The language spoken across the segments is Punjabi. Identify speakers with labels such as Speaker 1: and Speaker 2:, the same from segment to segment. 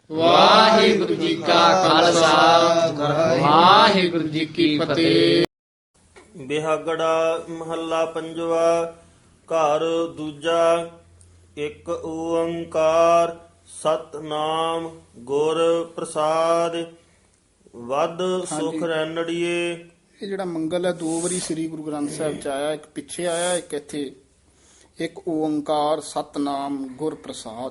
Speaker 1: ਵਾਹਿਗੁਰੂ ਜੀ ਕਾ ਖਾਲਸਾ ਵਾਹਿਗੁਰੂ ਜੀ ਕੀ ਫਤਿਹ।
Speaker 2: ਬਿਹਾਗੜਾ ਮਹੱਲਾ ਪੰਜਵਾ। ਘਰ ਦੂਜਾ। ਇੱਕ ਓੰਕਾਰ ਸਤਨਾਮ ਗੁਰ ਪ੍ਰਸਾਦ। ਵਦ ਸੁਖ ਰੈਣੜੀਏ।
Speaker 3: ਇਹ ਜਿਹੜਾ ਮੰਗਲ ਹੈ ਦੋ ਵਾਰੀ ਸ੍ਰੀ ਗੁਰੂ ਗ੍ਰੰਥ ਸਾਹਿਬ ਚ ਆਇਆ, ਇੱਕ ਪਿੱਛੇ ਆਇਆ, ਇੱਕ ਇੱਥੇ। ਇੱਕ ਓੰਕਾਰ ਸਤਨਾਮ ਗੁਰ ਪ੍ਰਸਾਦ।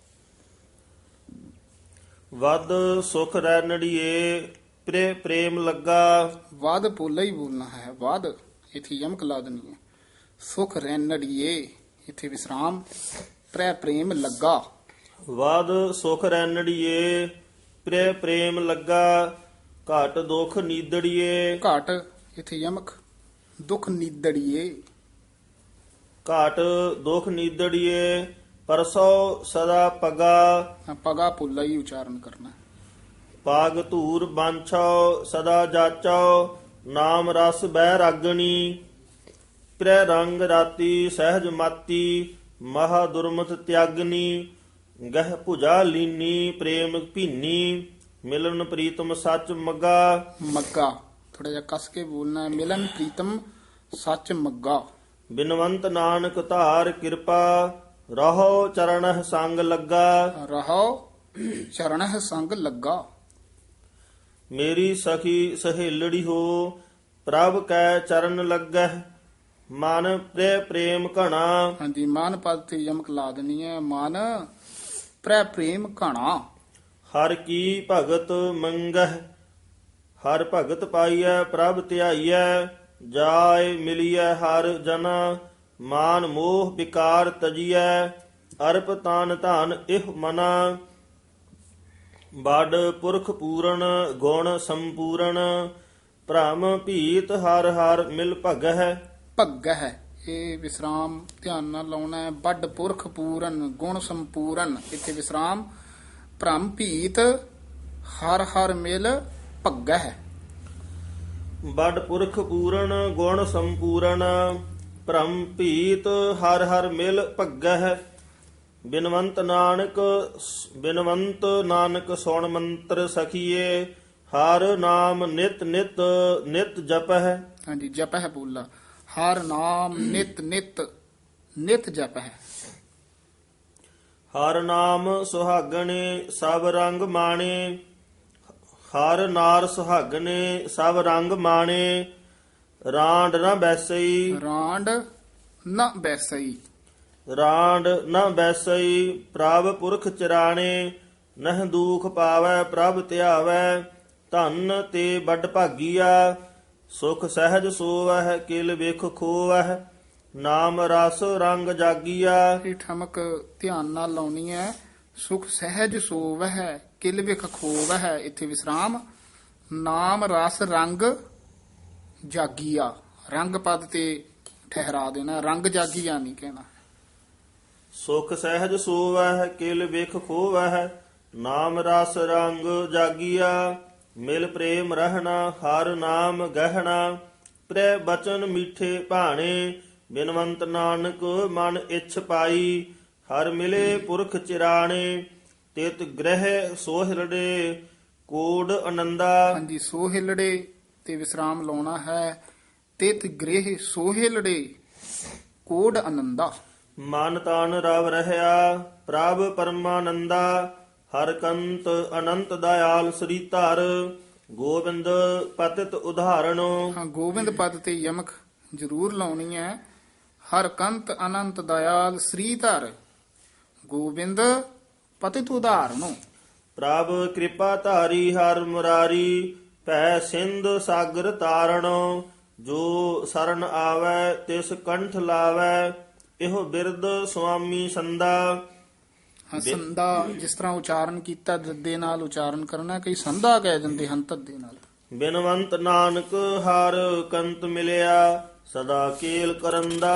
Speaker 2: ਵਦ ਸੁਖ ਰੈਣੜੀਏ ਪ੍ਰੇਮ ਲੱਗਾ।
Speaker 3: ਵਾਦ ਪੋਲਾ ਹੀ ਬੋਲਣਾ ਹੈ। ਵਾਦ ਇੱਥੇ ਯਮਕ ਲਾ ਦੇਣੀ ਹੈ। ਸੁਖ ਰੈਣੜੀਏ ਇੱਥੇ ਵਿਸਰਾਮ। ਪ੍ਰੇਮ ਲੱਗਾ।
Speaker 2: ਵਦ ਸੁਖ ਰੈਣੜੀਏ ਪ੍ਰੇਮ ਲੱਗਾ। ਘਟ ਦੁਖ ਨੀਦੜੀਏ।
Speaker 3: ਘਾਟ ਇੱਥੇ ਯਮਕ। ਦੁਖ ਨੀਦੜੀਏ।
Speaker 2: ਘਟ ਦੁਖ ਨੀਦੜੀਏ ਪਰਸੋ ਸਦਾ ਪਗਾ।
Speaker 3: ਪਗਾ ਪੋਲਾ ਹੀ ਉਚਾਰਨ ਕਰਨਾ।
Speaker 2: ਪਾਗ ਧੂਰ ਬਾਂਛੋ ਸਦਾ ਜਾਚੋ। ਨਾਮ ਰਸ ਬਹਿ ਰਾਗਣੀ। ਪ੍ਰੈ ਰੰਗ ਰਾਤੀ ਸਹਿਜ ਮਾਤੀ। ਮਹਾ ਦੁਰਮਤ ਤਿਆਗਨੀ। ਗਹਿ ਭੁਜਾ ਲੀਨੀ ਪ੍ਰੇਮ ਭੀਨੀ। ਮਿਲਨ ਪ੍ਰੀਤਮ ਸੱਚ ਮੱਗਾ।
Speaker 3: ਮੱਗਾ ਥੋੜਾ ਜਿਹਾ ਕਸ ਕੇ ਬੋਲਣਾ ਹੈ। ਮਿਲਨ ਪ੍ਰੀਤਮ ਸੱਚ ਮੱਗਾ।
Speaker 2: ਬਿਨਵੰਤ ਨਾਨਕ ਧਾਰ ਕਿਰਪਾ। ਰਹੋ ਚਰਣਹ ਸੰਗ ਲੱਗਾ।
Speaker 3: ਰਹੋ ਚਰਣਹ ਸੰਗ ਲੱਗਾ।
Speaker 2: ਮੇਰੀ ਸਖੀ ਸਹੇਲੜੀ ਹੋ। ਪ੍ਰਭ ਕੈ ਚਰਨ ਲੱਗਹਿ। ਮਨ ਪ੍ਰੇਮ ਘਣਾ।
Speaker 3: ਹਾਂਜੀ ਮਨ ਪਦ ਤੇ ਯਮਕ ਲਾ ਦੇਣੀ ਹੈ। ਮਨ ਪ੍ਰੇਮ ਘਣਾ।
Speaker 2: ਹਰ ਕੀ ਭਗਤ ਮੰਗਹਿ। ਹਰ ਭਗਤ ਪਾਈਐ ਪ੍ਰਭ ਧਿਆਈਐ। ਜਾਇ ਮਿਲੀਐ ਹਰ ਜਨਾ। ਮਾਨ ਮੋਹ ਵਿਕਾਰ ਤਜੀਐ। ਅਰਪ ਤਾਨ ਧਨ ਇਹ ਮਨਾ। ਬੜ ਪੁਰਖ ਪੂਰਨ ਗੁਣ ਸੰਪੂਰਨ। ਭ੍ਰਮ ਭੀਤ ਹਰ ਹਰ ਮਿਲ ਭਗਹਿ।
Speaker 3: ਭੱਗ ਹੈ ਇਹ ਵਿਸਰਾਮ ਧਿਆਨ ਨਾਲ ਲਾਉਣਾ ਹੈ। ਵੱਡ ਪੁਰਖ ਪੂਰਨ ਗੁਣ ਸੰਪੂਰਨ ਇੱਥੇ ਵਿਸਰਾਮ। ਭ੍ਰਮ ਭੀਤ ਹਰ ਹਰ ਮਿਲ ਭੱਗ ਹੈ।
Speaker 2: ਬੜ ਪੁਰਖ ਪੂਰਨ ਗੁਣ ਸੰਪੂਰਨ। ਭ੍ਰਮ ਭੀਤ ਹਰ ਹਰ ਮਿਲ ਭਗਹਿ। ਬਿਨਵੰਤ ਨਾਨਕ ਸੁਣ ਮੰਤਰ ਸਖੀਏ। ਹਰ ਨਾਮ ਨਿਤ ਨਿਤ ਨਿਤ ਜਪਹਿ।
Speaker 3: ਹਾਂਜੀ ਜਪ ਹੈ ਬੋਲਾ। ਹਰ ਨਾਮ ਨਿਤ ਨਿਤ ਨਿਤ ਜਪ ਹੈ।
Speaker 2: ਹਰ ਨਾਮ ਸੁਹਾਗਣੇ ਸਭ ਰੰਗ ਮਾਣੇ। ਹਰ ਨਾਰ ਸੁਹਾਗਣੇ ਸਭ ਰੰਗ ਮਾਣੇ। ਰਾਂਡ ਨਾ ਬੈਸਈ।
Speaker 3: ਰਾਂਡ ਨ ਬੈਸਈ।
Speaker 2: ਰਾਂਡ ਨਾ ਬੈਸਈ ਪ੍ਰਭ ਪੁਰਖ ਚਰਾਣੇ। ਨਹ ਦੂਖ ਪਾਵੈ ਪ੍ਰਭ ਧਿਆਵੈ। ਧਨ ਤੇ ਵੱਡ ਭਾਗੀਆ। ਸੁਖ ਸਹਿਜ ਸੋਵਹਿ ਕਿਲ ਵੇਖ ਖੋਵਹਿ। ਨਾਮ ਰਸ ਰੰਗ ਜਾਗੀਆ।
Speaker 3: ਇਹ ਠਮਕ ਧਿਆਨ ਨਾਲ ਲਾਉਣੀ ਹੈ। ਸੁਖ ਸਹਿਜ ਸੋਵਹਿ ਕਿਲ ਵਿਖ ਖੋਵਹਿ ਇੱਥੇ ਵਿਸਰਾਮ। ਨਾਮ ਰਸ ਰੰਗ ਜਾਗੀਆ। ਰੰਗ ਪਦ ਤੇ ਠਹਿਰਾ ਦੇਣਾ। ਰੰਗ ਜਾਗੀਆ ਨਹੀਂ ਕਹਿਣਾ।
Speaker 2: ਸੁਖ ਸਹਿਜ ਸੋਵਹਿ ਕਿਲ ਵੇਖ ਖੋਵਹਿ। ਨਾਮ ਰਸ ਰੰਗ ਜਾਗੀਆ। ਮਿਲ ਪ੍ਰੇਮ ਰਹਿਣਾ ਹਰ ਨਾਮ ਗਹਿਣਾ। ਪ੍ਰੈ ਬਚਨ ਮੀਠੇ ਭਾਣੇ। ਬਿਨਵੰਤ ਨਾਨਕ ਮਨ ਇੱਛ ਪਾਈ। ਹਰ ਮਿਲੇ ਪੁਰਖ ਚਿਰਾਣੇ। ਤਿਤ ਗ੍ਰਹਿ ਸੋਹਿਰੜੇ ਕੋਡ ਆਨੰਦਾ।
Speaker 3: ਹਾਂਜੀ ਸੋਹਿਲੜੇ ਤੇ ਵਿਸਰਾਮ ਲਾਉਣਾ ਹੈ। ਤਿਤ ਗ੍ਰਹਿ ਸੋਹਿਲੜੇ ਕੋਡ ਆਨੰਦਾ।
Speaker 2: ਮਨ ਤਨ ਰਵ ਰਹਿਆ ਪ੍ਰਭ ਪਰਮਾਨੰਦਾ। ਹਰ ਕੰਤ ਅਨੰਤ ਦਇਆਲ ਸ੍ਰੀ ਧਰ। ਗੋਬਿੰਦ ਪਤਿਤ ਉਦਾਹਰਣੋ।
Speaker 3: ਹਾਂ ਗੋਬਿੰਦ ਪਦ ਤੇ ਯਮਕ ਜ਼ਰੂਰ ਲਾਉਣੀ ਹੈ। ਹਰ ਕੰਤ ਅਨੰਤ ਦਇਆਲ ਸ੍ਰੀ ਧਰ। ਗੋਬਿੰਦ ਪਤਿਤ ਉਦਾਹਰਣੋ।
Speaker 2: ਪ੍ਰਭ ਕਿਰਪਾ ਧਾਰੀ ਹਰ ਮੁਰਾਰੀ। ਭੈ ਸਿੰਧ ਸਾਗਰ ਤਾਰਣੋ। ਜੋ ਸਰਨ ਆਵੈ ਤਿਸ ਕੰਠ ਲਾਵੈ। ਇਹੋ ਬਿਰਦ ਸੁਆਮੀ ਸੰਦਾ।
Speaker 3: ਸੰਦਾ ਜਿਸ ਤਰ੍ਹਾਂ ਉਚਾਰਨ ਕੀਤਾ ਦੱਦੇ ਨਾਲ ਉਚਾਰਨ ਕਰਨਾ। ਕਈ ਸੰਦਾ ਕਹਿ ਦਿੰਦੇ ਹਨ ਧੱਦੇ ਨਾਲ।
Speaker 2: ਬਿਨਵੰਤ ਨਾਨਕ ਹਰ ਕੰਤ ਮਿਲਿਆ। ਸਦਾ ਕੇਲ ਕਰੰਦਾ।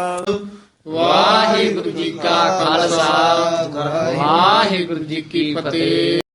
Speaker 1: ਵਾਹਿਗੁਰੂ ਜੀ ਕਾ ਖਾਲਸਾ ਵਾਹਿਗੁਰੂ ਜੀ ਕੀ ਫਤਿਹ।